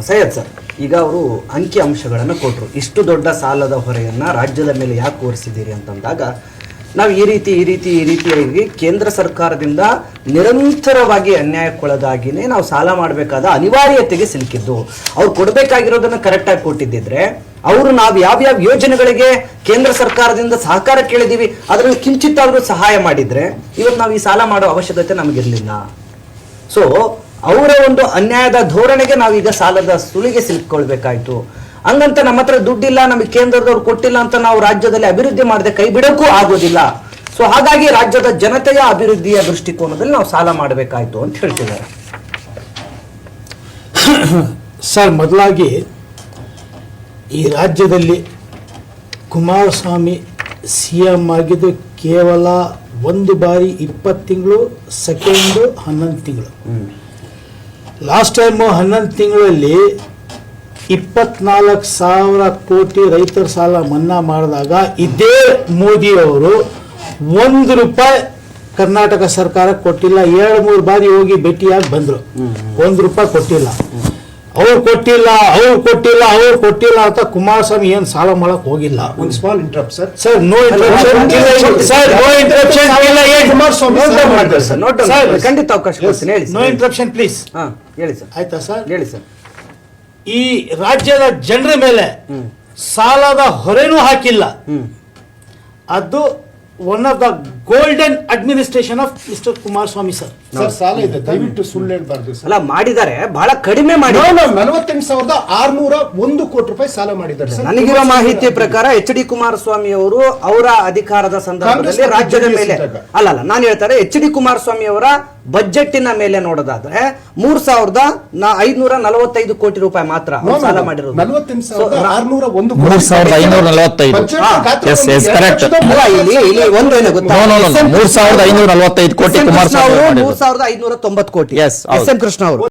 Syed sir, ಈಗ ಅವರು ಅಂಕಿ ಅಂಶಗಳನ್ನು ಕೊಟ್ಟರು. ಇಷ್ಟು ದೊಡ್ಡ ಸಾಲದ ಹೊರೆಯನ್ನು ರಾಜ್ಯದ ಮೇಲೆ ಯಾಕೆ ಹೊರಿಸಿದ್ದೀರಿ ಅಂತಂದಾಗ, ನಾವು ಈ ರೀತಿಯಾಗಿ ಕೇಂದ್ರ ಸರ್ಕಾರದಿಂದ ನಿರಂತರವಾಗಿ ಅನ್ಯಾಯಕ್ಕೊಳಗಾಗಿನೇ ನಾವು ಸಾಲ ಮಾಡಬೇಕಾದ ಅನಿವಾರ್ಯತೆಗೆ ಸಿಲುಕಿದ್ದು. ಅವ್ರು ಕೊಡಬೇಕಾಗಿರೋದನ್ನು ಕರೆಕ್ಟಾಗಿ ಕೊಟ್ಟಿದ್ದಿದ್ರೆ, ಅವರು ನಾವು ಯಾವ್ಯಾವ ಯೋಜನೆಗಳಿಗೆ ಕೇಂದ್ರ ಸರ್ಕಾರದಿಂದ ಸಹಕಾರ ಕೇಳಿದೀವಿ ಅದರಲ್ಲಿ ಕಿಂಚಿತ್ತಾದರೂ ಸಹಾಯ ಮಾಡಿದ್ರೆ ಇವತ್ತು ನಾವು ಈ ಸಾಲ ಮಾಡೋ ಅವಶ್ಯಕತೆ ನಮಗಿರಲಿಲ್ಲ. ಸೊ ಅವರ ಒಂದು ಅನ್ಯಾಯದ ಧೋರಣೆಗೆ ನಾವೀಗ ಸಾಲದ ಸುಳಿಗೆ ಸಿಲುಕೊಳ್ಬೇಕಾಯ್ತು. ಹಂಗಂತ ನಮ್ಮ ಹತ್ರ ದುಡ್ಡಿಲ್ಲ, ನಮಗೆ ಕೇಂದ್ರದವ್ರು ಕೊಟ್ಟಿಲ್ಲ ಅಂತ ನಾವು ರಾಜ್ಯದಲ್ಲಿ ಅಭಿವೃದ್ಧಿ ಮಾಡದೆ ಕೈ ಬಿಡೋಕ್ಕೂ ಆಗೋದಿಲ್ಲ. ಸೊ ಹಾಗಾಗಿ ರಾಜ್ಯದ ಜನತೆಯ ಅಭಿವೃದ್ಧಿಯ ದೃಷ್ಟಿಕೋನದಲ್ಲಿ ನಾವು ಸಾಲ ಮಾಡಬೇಕಾಯ್ತು ಅಂತ ಹೇಳ್ತಿದ್ದಾರೆ. ಸರ್, ಮೊದಲಾಗಿ ಈ ರಾಜ್ಯದಲ್ಲಿ ಕುಮಾರಸ್ವಾಮಿ CM ಆಗಿದ್ದು ಕೇವಲ ಒಂದು ಬಾರಿ 20 ತಿಂಗಳು, ಸೆಕೆಂಡು 11 ತಿಂಗಳು. ಲಾಸ್ಟ್ ಟೈಮು 11 ತಿಂಗಳಲ್ಲಿ 24,000 ಕೋಟಿ ರೈತರ ಸಾಲ ಮನ್ನಾ ಮಾಡಿದಾಗ ಇದೇ ಮೋದಿಯವರು ₹1 ಕರ್ನಾಟಕ ಸರ್ಕಾರ ಕೊಟ್ಟಿಲ್ಲ. 2-3 ಬಾರಿ ಹೋಗಿ ಭೇಟಿಯಾಗಿ ಬಂದರು, ₹1 ಕೊಟ್ಟಿಲ್ಲ. ಅವ್ರು ಕೊಟ್ಟಿಲ್ಲ ಅಂತ ಕುಮಾರಸ್ವಾಮಿ ಏನು ಸಾಲ ಮಾಡಕ್ ಹೋಗಿಲ್ಲ. ಒಂದು small interrupt sir. Sir, no interruption. ಖಂಡಿತ ಅವಕಾಶ ಕೊಡ್ತೀನಿ, ಹೇಳಿ. No interruption please. ಹೇಳಿ ಸರ್. ಆಯ್ತಾ ಸರ್? ಹೇಳಿ ಸರ್. ಈ ರಾಜ್ಯದ ಜನರ ಮೇಲೆ ಸಾಲದ ಹೊರೆನೂ ಹಾಕಿಲ್ಲ. ಅದು one of the golden administration of mister Kumaraswamy sir. Sir, ಸಾಲ ಇದೆ, ದಯವಿಟ್ಟು ಸುಳ್ಳು ಹೇಳ್ಬಾರ್ದು ಸರ್. ಅಲ್ಲ, ಮಾಡಿದ್ದಾರೆ, ಬಹಳ ಕಡಿಮೆ ಮಾಡಿ. 48,601 ಕೋಟಿ ರೂಪಾಯಿ ಸಾಲ ಮಾಡಿದ್ದಾರೆ ಸರ್. ನನಗಿರೋ ಮಾಹಿತಿ ಪ್ರಕಾರ HD ಕುಮಾರಸ್ವಾಮಿ ಅವರು ಅವರ ಅಧಿಕಾರದ ಸಂದರ್ಭದಲ್ಲಿ ರಾಜ್ಯದ ಮೇಲೆ ನಾನು ಹೇಳ್ತಾರೆ, HD ಕುಮಾರಸ್ವಾಮಿ ಅವರ ಬಜೆಟ್ಟಿನ ಮೇಲೆ ನೋಡೋದಾದ್ರೆ 3,545 ಕೋಟಿ ರೂಪಾಯಿ ಮಾತ್ರ ಸಾಲ ಮಾಡಿರೋದು. 48,601 3,545 ಕೋಟಿ ಕುಮಾರಸ್ವಾಮಿ 3,590 ಕೋಟಿ. ಎಸ್ ಎಂ ಕೃಷ್ಣ ಅವರು